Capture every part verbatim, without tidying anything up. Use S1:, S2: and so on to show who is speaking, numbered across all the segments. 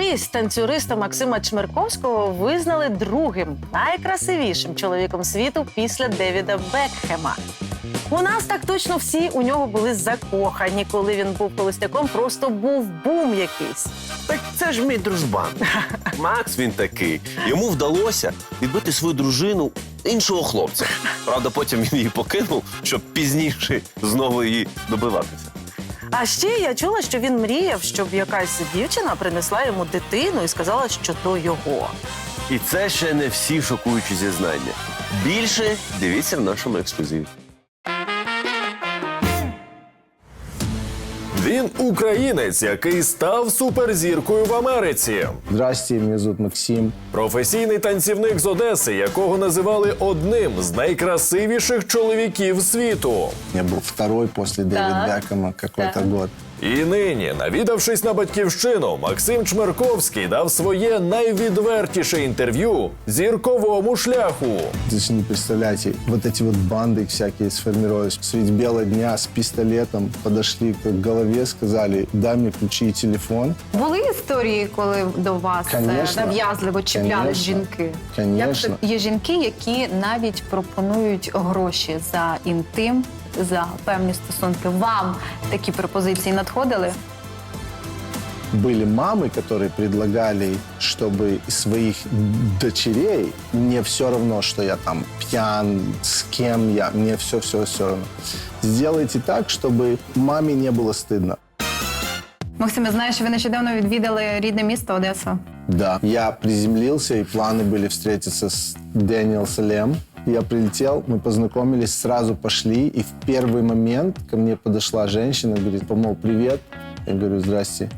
S1: Колись танцюриста Максима Чмерковського визнали другим найкрасивішим чоловіком світу після Девіда Бекхема. У нас так точно всі у нього були закохані, коли він був холостяком, просто був бум якийсь.
S2: Так це ж мій дружбан. Макс він такий. Йому вдалося відбити свою дружину іншого хлопця. Правда, потім він її покинув, щоб пізніше знову її добиватися.
S1: А ще я чула, що він мріяв, щоб якась дівчина принесла йому дитину і сказала, що то його.
S2: І це ще не всі шокуючі зізнання. Більше дивіться в нашому ексклюзиві.
S3: Він українець, який став суперзіркою в Америці.
S4: Здрасте, мене звуть Максим.
S3: Професійний танцівник з Одеси, якого називали одним з найкрасивіших чоловіків світу.
S4: Я був второй після Девіда Бекхема какой-то год.
S3: І нині, навідавшись на батьківщину, Максим Чмерковський дав своє найвідвертіше інтерв'ю зірковому шляху.
S4: Вы же не представляете, вот эти вот банды всякие сформировались. Средь бела дня с пистолетом подошли к голове, сказали, дай мне ключи и телефон.
S5: Були історії, коли до вас е,
S4: Конечно.
S5: нав'язливо чіплялись
S4: Конечно.
S5: жінки?
S4: Конечно.
S5: Як це? Є жінки, які навіть пропонують гроші за інтим, за певні стосунки. Вам такі пропозиції надходили?
S4: Были мамы, которые предлагали, чтобы из своих дочерей, мне все равно, что я там пьян, с кем я, мне все-все-все равно. Сделайте так, чтобы маме не было стыдно.
S5: Максим, я знаю, що ви нещодавно відвідали рідне місто Одесу.
S4: Да. Я приземлился, и планы были встретиться с Дэниел Салем. Я прилетел, мы познакомились, сразу пошли, и в первый момент ко мне подошла женщина, говорит, помол, привет. Я говорю, здрасте.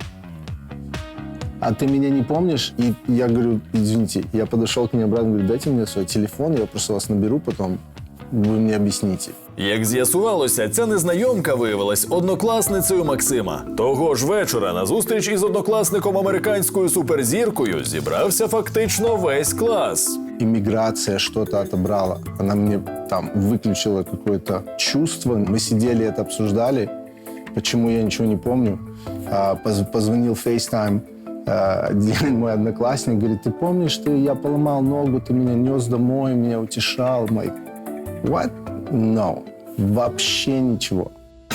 S4: А ты меня не помнишь? И я говорю, извините. Я подошел к ней обратно, говорю, дайте мне свой телефон, я просто вас наберу, потом вы мне объясните.
S3: Як з'ясувалося, ця незнайомка виявилась однокласницею Максима. Того ж вечора на зустріч із однокласником американською суперзіркою зібрався фактично весь клас.
S4: Иммиграция что-то отобрала. Она мне там выключила какое-то чувство. Мы сидели, это обсуждали. Почему я ничего не помню. А, поз- позвонил FaceTime. А, один мой одноклассник говорит, ты помнишь, что я поломал ногу, ты меня нес домой, меня утешал. Like, what? No. Вообще ничего.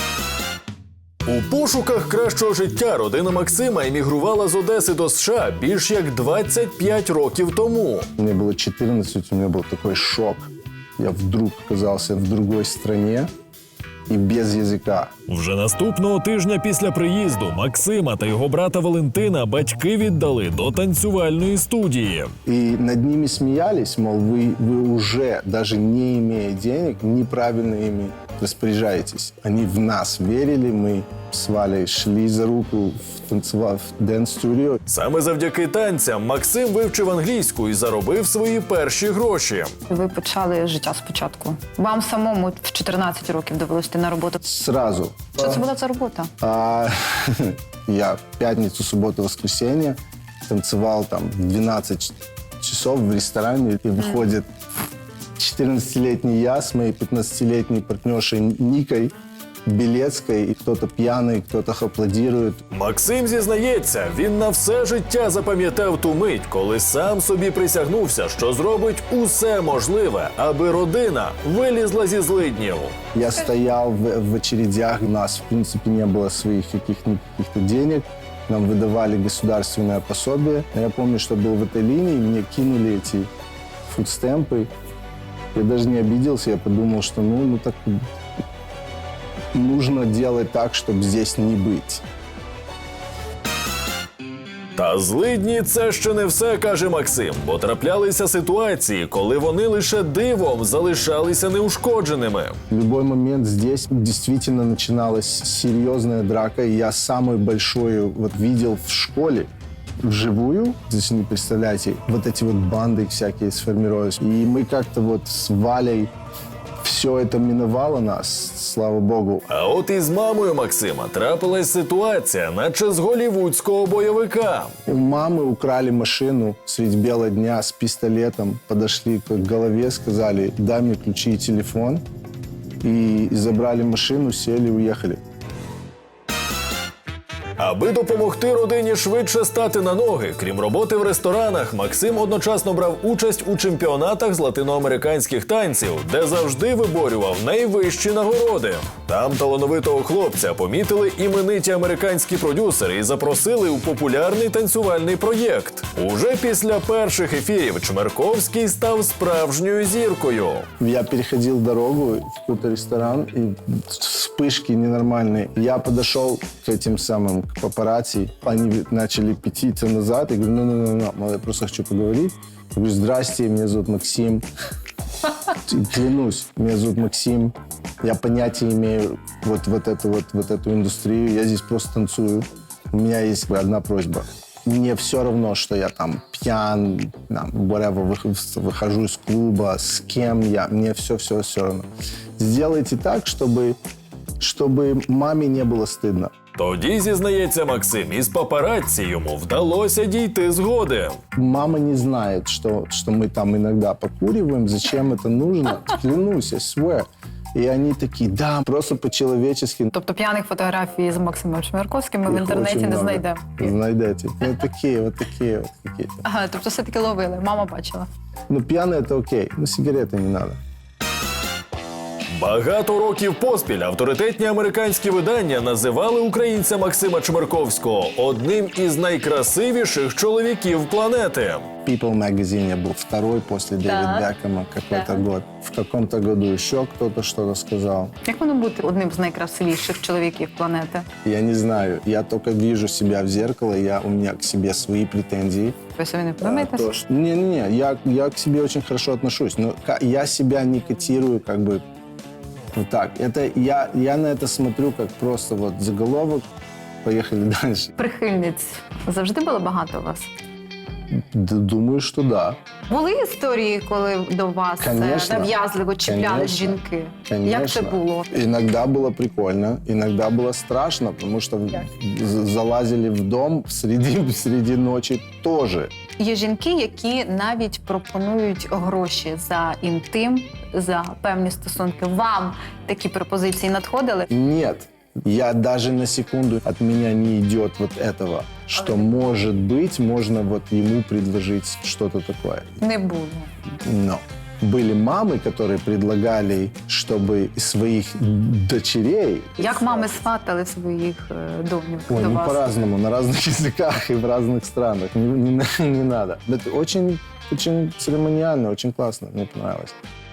S3: У пошуках кращого життя родина Максима емігрувала з Одеси до США більш як двадцять п'ять років тому.
S4: Мне было четырнадцать, у меня был такой шок. Я вдруг оказался в другой стране и без языка.
S3: Вже наступного тижня після приїзду Максима та його брата Валентина батьки віддали до танцювальної студії.
S4: И над ними смеялись, мол, вы, вы уже, даже не имея денег, неправильно ими распоряжаетесь. Они в нас верили, мы с Валей шли за руку в танцевал в дэнс-студио.
S3: Саме завдяки танцям Максим вивчив англійську і заробив свої перші гроші.
S5: Ви почали життя спочатку. Вам самому в чотирнадцять років довелося йти на роботу.
S4: Сразу.
S5: Що це була за робота?
S4: А, я в пятницу, субботу, воскресенье танцевал там двенадцать часов в ресторане, и выходит четырнадцатилетний я с моей пятнадцатилетней партнершей Никой Белецкой, и кто-то пьяный, кто-то аплодирует.
S3: Максим зізнається, він на все життя запам'ятав ту мить, коли сам собі присягнувся, що зробить усе можливе, аби родина вилізла зі злиднів.
S4: Я стоял в, в очередях, у нас, в принципе, не было своих каких-то каких-то денег. Нам выдавали государственное пособие. Я помню, что был в этой линии, мне кинули эти фудстемпы. Я даже не обиделся, я подумал, что ну, ну так нужно делать так, чтобы здесь не быть.
S3: Та злидні – це ще не все, каже Максим, бо траплялися ситуації, коли вони лише дивом залишалися неушкодженими.
S4: В любой момент здесь действительно начиналась серьезная драка, и я самую большую вот видел в школе. Вживую, здесь не представляете, вот эти вот банды всякие сформировались. И мы как-то вот с Валей все это миновало нас, слава Богу.
S3: А от із мамою Максима трапилась ситуація, наче з голівудського бойовика.
S4: У мамы украли машину средь бела дня с пистолетом, подошли к голове, сказали, дай мне ключи и телефон. И забрали машину, сели, уехали.
S3: Аби допомогти родині швидше стати на ноги, крім роботи в ресторанах, Максим одночасно брав участь у чемпіонатах з латиноамериканських танців, де завжди виборював найвищі нагороди. Там талановитого хлопця помітили імениті американські продюсери і запросили у популярний танцювальний проєкт. Уже після перших ефірів Чмерковський став справжньою зіркою.
S4: Я переходил дорогу в какой-то ресторан, и вспышки ненормальные. Я подошел к этим самым к папарацци, они начали пятиться назад, и говорю, ну-ну-ну, я просто хочу поговорить. Я говорю, здрасте, меня зовут Максим. Клянусь, меня зовут Максим. Я понятия имею вот, вот, эту, вот, вот эту индустрию, я здесь просто танцую. У меня есть одна просьба. Мне все равно, что я там пьян, там, whatever, выхожу, выхожу из клуба, с кем я, мне все-все все равно. Сделайте так, чтобы, чтобы маме не было стыдно.
S3: Тоді, зізнається Максим, із папараці йому вдалося дійти згоди.
S4: Мама не знает, что, что мы там иногда покуриваем, зачем это нужно. Клянусь, I swear. И они такие, да, просто по-человечески.
S5: Тобто п'яних фотографій з Максимом Чмерковським ми в
S4: Их
S5: інтернеті
S4: очень
S5: не
S4: много.
S5: знайдемо.
S4: Знайдете. Ну, такие, вот такие, вот какие-то.
S5: Ага, тобто все-таки ловили, мама бачила.
S4: Ну, пьяные это окей, но сигареты не надо.
S3: Багато років поспіль авторитетні американські видання називали українця Максима Чмерковського одним із найкрасивіших чоловіків планети.
S4: People Magazine я был второй после Дэвида Бекхэма какой-то
S5: Так.
S4: год. В каком-то году еще кто-то что-то сказал.
S5: Як воно бути одним з найкрасивіших чоловіків планети?
S4: Я не знаю, я только вижу себя в зеркало, я, у меня к себе свои претензии.
S5: Ви собі не подумаєте?
S4: То, что- Не-не-не, я, я к себе очень хорошо отношусь, но ка- я себя не котирую как бы вот так. Это, я, я на это смотрю как просто вот заголовок, поехали дальше.
S5: Прихильниць завжди було багато у вас?
S4: Д- Думаю, что да.
S5: Були історії, коли до вас е,
S4: Конечно.
S5: нав'язливо чіплялись
S4: Конечно.
S5: жінки?
S4: Конечно.
S5: Як це було?
S4: Иногда было прикольно, иногда было страшно, потому что в- з- залазили в дом среди, среди ночи тоже.
S5: Є жінки, які навіть пропонують гроші за інтим, за певні стосунки. Вам такі пропозиції надходили?
S4: Нет, я даже на секунду, от меня не идет вот этого, что, может быть, можно вот ему предложить что-то такое.
S5: Не було.
S4: Но были мамы, которые предлагали, чтобы своих дочерей...
S5: Як мами сватали своїх е, доньок
S4: Ой,
S5: до
S4: ну
S5: вас?
S4: по-разному, на разных языках и в разных странах. Не, не, не надо. Это очень, очень церемониально, очень классно, мне понравилось.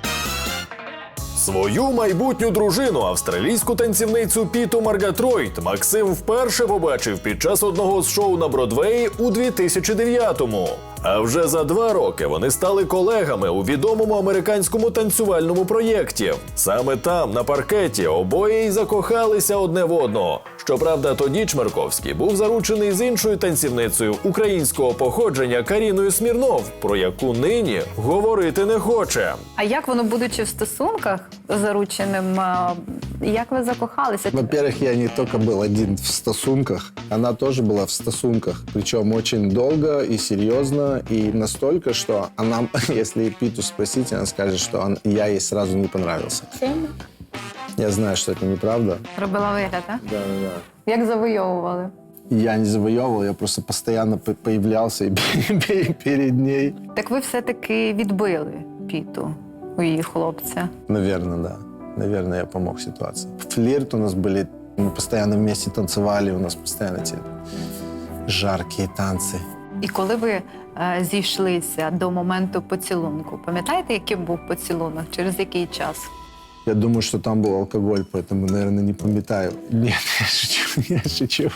S3: Свою майбутню дружину, австралійську танцівницю Піту Маргатройт, Максим вперше побачив під час одного з шоу на Бродвеї у дві тисячі дев'ятому. А вже за два роки вони стали колегами у відомому американському танцювальному проєкті. Саме там, на паркеті, обоє й закохалися одне в одного. Щоправда, тоді Чмерковський був заручений з іншою танцівницею українського походження Каріною Смірнов, про яку нині говорити не хоче.
S5: А як воно, будучи в стосунках зарученим, е, як ви закохалися?
S4: Во-первых, я не только был один в стосунках, она тоже была в стосунках. Причем очень долго и серьезно, и настолько, что она, если Питу спросить, она скажет, что он, я ей сразу не понравился. Я знаю, что это неправда.
S5: Робила вигляд, а?
S4: Да, да, да.
S5: Як завойовували?
S4: Я не завоевывал, я просто постоянно по- появлялся и перед ней.
S5: Так ви все-таки відбили Піту у її хлопця.
S4: Наверное, да. Наверное, я помог ситуации. Флирт у нас были, мы постоянно вместе танцевали, у нас постоянно эти жаркие танцы.
S5: І коли ви е, зійшлися до моменту поцілунку, пам'ятаєте, яким був поцілунок? Через який час?
S4: Я думаю, что там был алкоголь, поэтому, наверное, не памятаю. Нет, я шучу, я шучу.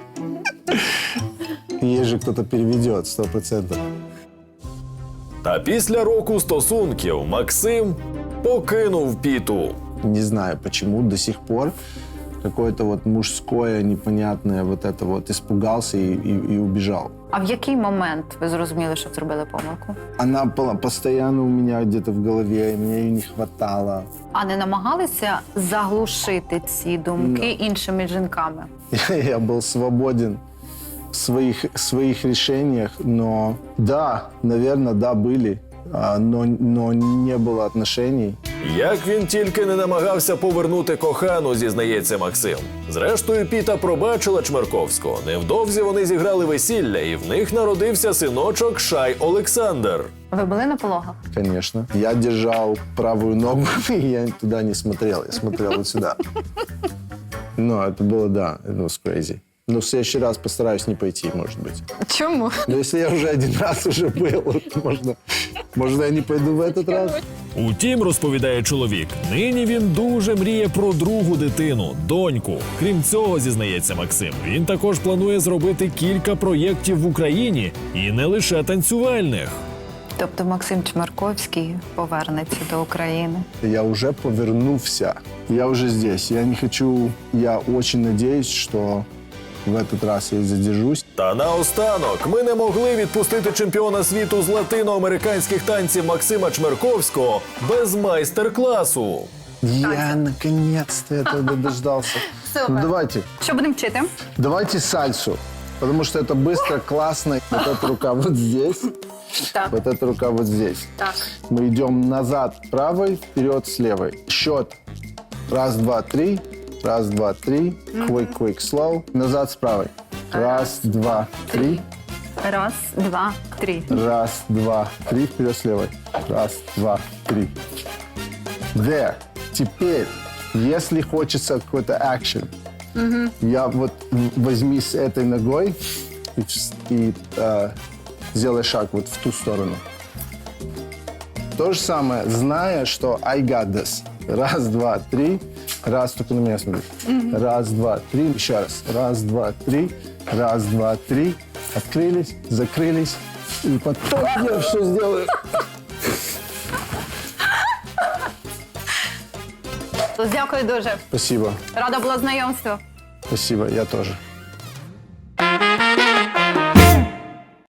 S4: Ей же кто-то переведет, сто процентов.
S3: Та після року стосунків Максим покинув Піту.
S4: Не знаю, почему до сих пор какое-то вот мужское, непонятное вот это вот испугался и, и, и убежал.
S5: А в який момент ви зрозуміли, що зробили помилку?
S4: Она была постоянно у меня где-то в голове, и мне ее не хватало.
S5: А не намагалися заглушити ці думки іншими жінками?
S4: Я был свободен в своих, своих решениях, но да, наверное, да, были. а, но, но не было отношений.
S3: Як він тільки не намагався повернути кохану, зізнається Максим. Зрештою, Піта пробачила Чмерковського. Невдовзі вони зіграли весілля, і в них народився синочок Шай Олександр.
S5: Ви були на пологах?
S4: Конечно. Я держал правую ногу, и я туда не смотрел. Я смотрел вот сюда. Но это было, да, it was crazy. Но в следующий раз постараюсь не пойти, может быть.
S5: Чому?
S4: Но если я уже один раз уже был, то можно, можно я не пойду в этот раз?
S3: Утім, розповідає чоловік, нині він дуже мріє про другу дитину, доньку. Крім цього, зізнається Максим, він також планує зробити кілька проєктів в Україні і не лише танцювальних.
S5: Тобто Максим Чмерковський повернеться до України.
S4: Я уже повернулся. Я уже здесь. Я не хочу... Я очень надеюсь, что в этот раз я задержусь.
S3: Та наостанок, ми не могли відпустити чемпіона світу з латиноамериканських танців Максима Чмерковського без майстер-класу.
S4: Я наконец-то этого дождался.
S5: Супер.
S4: Ну, давайте.
S5: Що будемо вчити?
S4: Давайте сальсу. Потому что это быстро, классно. Вот эта рука вот здесь.
S5: Так.
S4: Вот эта рука вот здесь.
S5: Так.
S4: Мы идем назад правой, вперед с левой. Счет. Раз, два, три. Раз, два, три. Quick, quick, slow. Назад с правой. Раз, два, три.
S5: Раз, два, три.
S4: Раз, два, три. Вперед с левой. Раз, два, три. There. Теперь, если хочется какой-то экшен, я вот возьми с этой ногой и, вс- и э, сделай шаг вот в ту сторону. То же самое, зная, что I got this. Раз, два, три. Раз, только на меня смотри. Раз, два, три. Еще раз. Раз, два, три. Раз, два, три. Открылись, закрылись. И потом я все сделаю.
S5: Дякую дуже.
S4: Спасибо.
S5: Рада була знайомству.
S4: Спасибо, я тоже.